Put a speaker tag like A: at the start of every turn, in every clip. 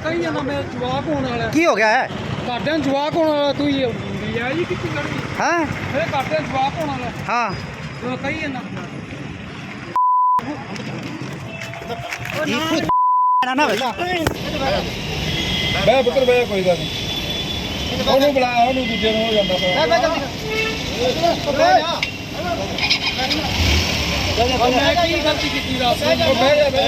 A: ਕਹੀ ਜਾਂਦਾ ਮੇਰਾ ਜਵਾਕ ਹੋਣ ਵਾਲਾ।
B: ਕੀ ਹੋ ਗਿਆ ਹੈ?
A: ਘਰਦਿਆਂ ਨੂੰ ਜਵਾਕ ਹੋਣ ਵਾਲਾ, ਤੂੰ ਹੀ ਆ ਜੀ ਕਿੱਥੇ ਕਰਨੀ?
B: ਹਾਂ
A: ਮੇਰੇ ਘਰਦਿਆਂ ਨੂੰ ਜਵਾਕ ਹੋਣ ਵਾਲਾ
B: ਹਾਂ
A: ਤੂੰ ਕਹੀ ਜਾਂਦਾ।
B: ਨਾ ਵੇਲਾ
A: ਬੈ ਪੁੱਤਰ ਬੈ, ਕੋਈ ਗੱਲ ਨਹੀਂ। ਉਹਨੂੰ ਬੁਲਾ, ਉਹਨੂੰ ਦੂਜੇ ਨੂੰ ਹੋ ਜਾਂਦਾ ਮੈਂ ਕੀ ਗਲਤੀ ਕੀਤੀ ਦੱਸ। ਬਹਿ ਜਾ ਬਹਿ ਜਾ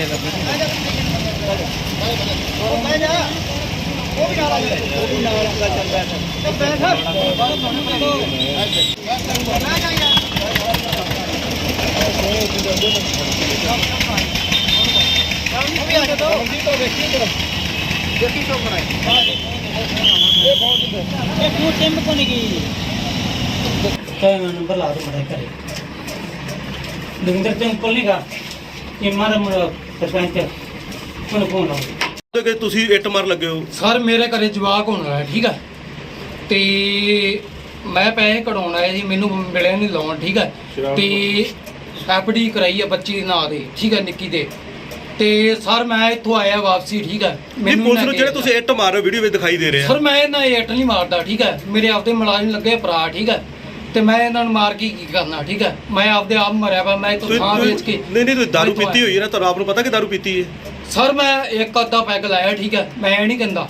A: ਉਹ ਵੀ ਨਾਲ ਆ ਗਿਆ, ਉਹ ਵੀ ਨਾਲ ਆਉਂਦਾ ਚੱਲ ਬੈਠ ਬੈਠ ਦੇਖੀ ਸ਼ੋ ਕਰਾਈ ਇਹ ਬਹੁਤ ਇਹ ਤੂੰ ਟਿੰਮ ਕੋ ਨਹੀਂ ਗਈ
C: क्या नंबर ला दो मेरे करे दविंदर सिंह कोल नहीं का ये मारा सरपंच कौन कौन लाओ
D: ਕਿ ਤੁਸੀਂ ਇੱਟ ਮਾਰ ਲੱਗੇ ਹੋ।
A: ਸਰ ਮੇਰੇ ਘਰੇ ਜਵਾਕ ਹੋਣ ਵਾਲਾ ਠੀਕ ਹੈ ਤੇ ਮੈਂ ਪੈਸੇ ਕਢਾਉਣ ਆਇਆ ਜੀ, ਮੈਨੂੰ ਮਿਲਿਆ ਨਹੀਂ ਲੋਨ ਠੀਕ ਹੈ ਤੇ ਐਫਡੀ ਕਰਾਈ ਹੈ ਬੱਚੀ ਦੇ ਨਾਂ ਦੇ ਠੀਕ ਹੈ ਨਿੱਕੀ ਦੇ ਤੇ ਸਰ ਮੈਂ ਇੱਥੋਂ ਆਇਆ ਵਾਪਸੀ ਠੀਕ ਹੈ।
D: ਨਹੀਂ ਪੁਲਿਸ ਨੂੰ ਜਿਹੜੇ ਤੁਸੀਂ ਇੱਟ ਮਾਰ ਰਹੇ ਹੋ ਵੀਡੀਓ ਵਿੱਚ ਦਿਖਾਈ ਦੇ ਰਿਹਾ।
A: ਸਰ ਮੈਂ ਇਹਨਾਂ ਇੱਟ ਨਹੀਂ ਮਾਰਦਾ ਠੀਕ ਹੈ, ਮੇਰੇ ਆਪਦੇ ਮੁਲਾਜ਼ਮ ਲੱਗੇ ਭਰਾ ਠੀਕ ਹੈ ਤੇ ਮੈਂ ਇਹਨਾਂ ਨੂੰ ਮਾਰ ਕੇ ਕੀ ਕਰਨਾ ਠੀਕ ਹੈ। ਮੈਂ ਆਪਦੇ ਆਪ ਮਰਿਆ ਵਾ, ਮੈਂ ਇੱਥੋਂ ਥਾਂ ਵੇਚ ਕੇ।
D: ਨਹੀਂ ਤੁਸੀਂ ਦਾਰੂ ਪੀਤੀ ਹੋਈ ਹੈ ਨਾ, ਤੁਹਾਨੂੰ ਆਪ ਨੂੰ ਪਤਾ ਕਿ ਦਾਰੂ ਪੀਤੀ ਹੈ।
A: ਸਰ ਮੈਂ ਇੱਕ ਅੱਧਾ ਪੈਗ ਲਾਇਆ ਠੀਕ ਹੈ, ਮੈਂ ਇਹ ਨਹੀਂ ਕਹਿੰਦਾ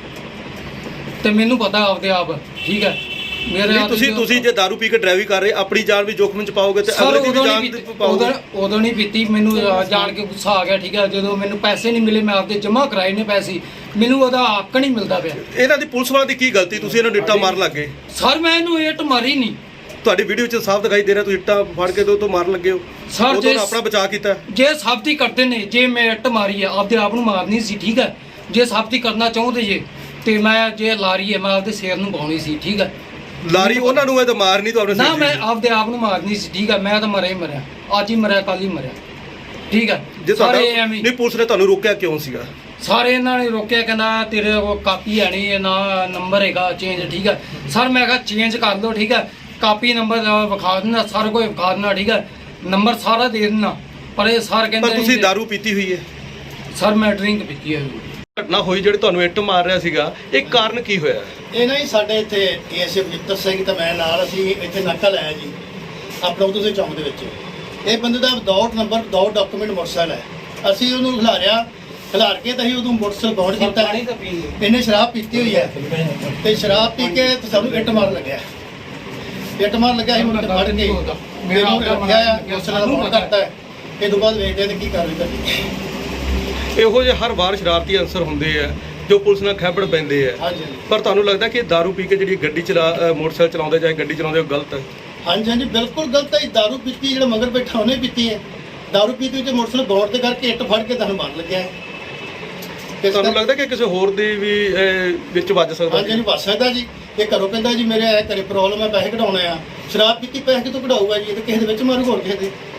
A: ਤੇ ਮੈਨੂੰ ਪਤਾ ਆਪਦੇ ਆਪ ਠੀਕ ਹੈ। ਮੇਰੇ
D: ਤੁਸੀਂ ਜੇ ਦਾਰੂ ਪੀ ਕੇ ਡਰਾਈਵਿੰਗ ਕਰ ਰਹੇ ਆਪਣੀ ਜਾਨ ਵੀ ਜੋਖਮ ਚ ਪਾਓਗੇ ਤੇ ਅਗਲੇ ਦੀ ਵੀ ਜਾਨ ਪਾਓਗੇ।
A: ਉਦੋਂ ਨਹੀਂ ਪੀਤੀ, ਮੈਨੂੰ ਜਾਣ ਕੇ ਗੁੱਸਾ ਆ ਗਿਆ ਠੀਕ ਹੈ। ਜਦੋਂ ਮੈਨੂੰ ਪੈਸੇ ਨਹੀਂ ਮਿਲੇ, ਮੈਂ ਆਪਦੇ ਜਮ੍ਹਾਂ ਕਰਾਏ ਨੇ ਪੈਸੇ, ਮੈਨੂੰ ਉਹਦਾ ਹੱਕ ਨਹੀਂ ਮਿਲਦਾ ਪਿਆ।
D: ਇਹਨਾਂ ਦੀ ਪੁਲਿਸ ਵਾਲਿਆਂ ਦੀ ਕੀ ਗਲਤੀ, ਤੁਸੀਂ ਇਹਨਾਂ ਨੂੰ ਇੱਟਾਂ ਮਾਰ ਲੱਗੇ।
A: ਸਰ ਮੈਂ ਇਹਨੂੰ ਇੱਟ ਮਾਰੀ ਨਹੀਂ,
D: ਤੁਹਾਡੀ ਵੀਡੀਓ 'ਚ ਸਾਫ਼ ਦਿਖਾਈ ਦੇ ਰਿਹਾ ਤੁਸੀਂ ਇੱਟਾਂ ਫੜ ਕੇ ਤੋਂ ਮਾਰਨ ਲੱਗੇ ਹੋ।
A: ਸਰ
D: ਜੇ ਆਪਣਾ ਬਚਾਅ ਕੀਤਾ,
A: ਜੇ ਸਾਬਤੀ ਕਰਦੇ ਨੇ, ਜੇ ਮੈਂ ਇੱਟ ਮਾਰੀ ਹੈ ਆਪਦੇ ਆਪ ਨੂੰ ਮਾਰਨੀ ਸੀ ਠੀਕ ਹੈ। ਜੇ ਸਾਬਤੀ ਕਰਨਾ ਚਾਹੁੰਦੇ ਜੇ ਤੇ ਮੈਂ ਜੇ ਲਾਰੀ ਹੈ ਮੈਂ ਆਪਦੇ ਸਿਰ ਨੂੰ ਪਾਉਣੀ ਸੀ ਠੀਕ ਹੈ।
D: ਲਾਰੀ ਉਹਨਾਂ ਨੂੰ ਇਹ ਤਾਂ ਮਾਰਨੀ ਤੁਹਾਨੂੰ
A: ਨਾ, ਮੈਂ ਆਪਦੇ ਆਪ ਨੂੰ ਮਾਰਨੀ ਸੀ ਠੀਕ ਹੈ। ਮੈਂ ਤਾਂ ਮਰਿਆ ਹੀ ਮਰਿਆ, ਅੱਜ ਹੀ ਮਰਿਆ ਕੱਲ ਹੀ ਮਰਿਆ ਠੀਕ ਹੈ।
D: ਜੇ ਤੁਹਾਡਾ
A: ਸਾਰੇ ਐਵੇਂ
D: ਨਹੀਂ ਪੁਲਿਸ ਨੇ ਤੁਹਾਨੂੰ ਰੋਕਿਆ ਕਿਉਂ ਸੀਗਾ?
A: ਸਾਰੇ ਇਹਨਾਂ ਨੇ ਰੋਕਿਆ, ਕਹਿੰਦਾ ਤੇਰੇ ਕੋਲ ਕਾਪੀ ਹੈ ਨਹੀਂ ਨਾ ਨੰਬਰ ਹੈਗਾ ਚੇਂਜ ਠੀਕ ਹੈ। ਸਰ ਮੈਂ ਕਿਹਾ ਚੇਂਜ ਕਰ ਲਓ ਠੀਕ ਹੈ, ਕਾਪੀ ਨੰਬਰ ਵਿਖਾ ਦੇਣਾ, ਸਾਰਾ ਕੁਝ ਵਿਖਾ ਦੇਣਾ ਠੀਕ ਹੈ, ਨੰਬਰ ਸਾਰਾ ਦੇ ਦੇਣਾ। ਪਰ ਇਹ ਸਰ ਕਹਿੰਦੇ
D: ਪਰ ਤੁਸੀਂ ਦਾਰੂ ਪੀਤੀ ਹੋਈ ਹੈ।
A: ਸਰ ਮੈਂ ਡਰਿੰਕ ਪੀਤੀ ਹੈ।
D: ਘਟਨਾ ਹੋਈ ਜਿਹੜੇ ਤੁਹਾਨੂੰ ਇੱਟ ਮਾਰ ਰਿਹਾ ਸੀਗਾ, ਇਹ ਕਾਰਨ ਕੀ ਹੋਇਆ?
E: ਇਹ ਨਾ ਜੀ ਸਾਡੇ ਇੱਥੇ ਏਐਸਏ ਬਜਿੱਤਰ ਸਿੰਘ ਤੇ ਮੈਂ ਨਾਲ, ਅਸੀਂ ਇੱਥੇ ਨਾਕਾ ਲਾਇਆ ਜੀ ਆਪਣਾ ਉਦੋਂ ਦੇ ਚੌਂਕ ਦੇ ਵਿੱਚ। ਇਹ ਬੰਦੇ ਦਾ without number without document motorcycle ਹੈ। ਅਸੀਂ ਉਹਨੂੰ ਖਿਲਾਰ ਕੇ ਤਾਂ ਅਸੀਂ ਉਦੋਂ ਮੋਟਰਸਾਈਕਲ ਬੌਂਡ ਕੀਤਾ। ਇਹਨੇ ਸ਼ਰਾਬ ਪੀਤੀ ਹੋਈ ਹੈ ਤੇ ਸ਼ਰਾਬ ਪੀ ਕੇ ਤੇ ਸਾਨੂੰ ਇੱਟ ਮਾਰਨ ਲੱਗਿਆ। ਇੱਟ ਮਾਰਨ ਲੱਗਿਆ ਸੀ, ਮੁੰਡੇ ਫੜ ਕੇ ਮੇਰਾ ਰੱਖਿਆ ਆ, ਮੋਟਰਸਾਈਕਲ ਦਾ ਬੌਂਡ ਕਰਤਾ ਹੈ। ਇਹ ਤੋਂ ਬਾਅਦ ਵੇਖਦੇ ਤੇ ਕੀ ਕਾਰਵਾਈ ਕਰਨੀ।
D: ਇਹੋ ਜਿਹੇ ਹਰ ਵਾਰ ਸ਼ਰਾਰਤੀ ਅਨਸਰ ਹੁੰਦੇ ਆ ਜੋ ਪੁਲਿਸ ਨਾਲ ਖੈਬੜ ਪੈਂਦੇ ਆ।
E: ਹਾਂਜੀ
D: ਪਰ ਤੁਹਾਨੂੰ ਲੱਗਦਾ ਕਿ ਦਾਰੂ ਪੀ ਕੇ ਜਿਹੜੀ ਗੱਡੀ ਮੋਟਰਸਾਈਕਲ ਚਲਾਉਂਦੇ ਜਾਂ ਗੱਡੀ ਚਲਾਉਂਦੇ ਉਹ ਗਲਤ ਹੈ?
E: ਹਾਂਜੀ ਹਾਂਜੀ ਬਿਲਕੁਲ ਗਲਤ ਹੈ। ਦਾਰੂ ਪੀਤੀ, ਜਿਹੜਾ ਮਗਰ ਬੈਠਾ ਉਹਨੇ ਪੀਤੀ ਹੈ। ਦਾਰੂ ਪੀਤੀ ਤੇ ਮੋਟਰਸਾਈਕਲ ਬੌਂਡ ਤੇ ਕਰਕੇ ਇੱਟ ਫੜ ਕੇ ਤੁਹਾਨੂੰ ਮਾਰਨ ਲੱਗਿਆ ਹੈ।
D: ਤੁਹਾਨੂੰ ਲੱਗਦਾ ਕਿ ਕਿਸੇ ਹੋਰ ਦੀ ਵੀ ਵਿੱਚ ਵੱਜ ਸਕਦਾ?
E: ਹਾਂਜੀ ਨਹੀਂ ਵੱਜ ਸਕਦਾ ਜੀ। ਇਹ ਘਰੋਂ ਕਹਿੰਦਾ ਜੀ ਮੇਰੇ ਘਰੇ ਪ੍ਰੋਬਲਮ ਹੈ, ਪੈਸੇ ਕਢਾਉਣੇ ਆ। ਸ਼ਰਾਬ ਪੀਤੀ ਪੈਸੇ ਕਿਤੋਂ ਕਢਾਊਗਾ ਜੀ? ਇਹ ਤਾਂ ਕਿਸੇ ਦੇ ਵਿੱਚ ਮਾਰੂ ਹੋਰ ਕਿਸੇ ਦੇ।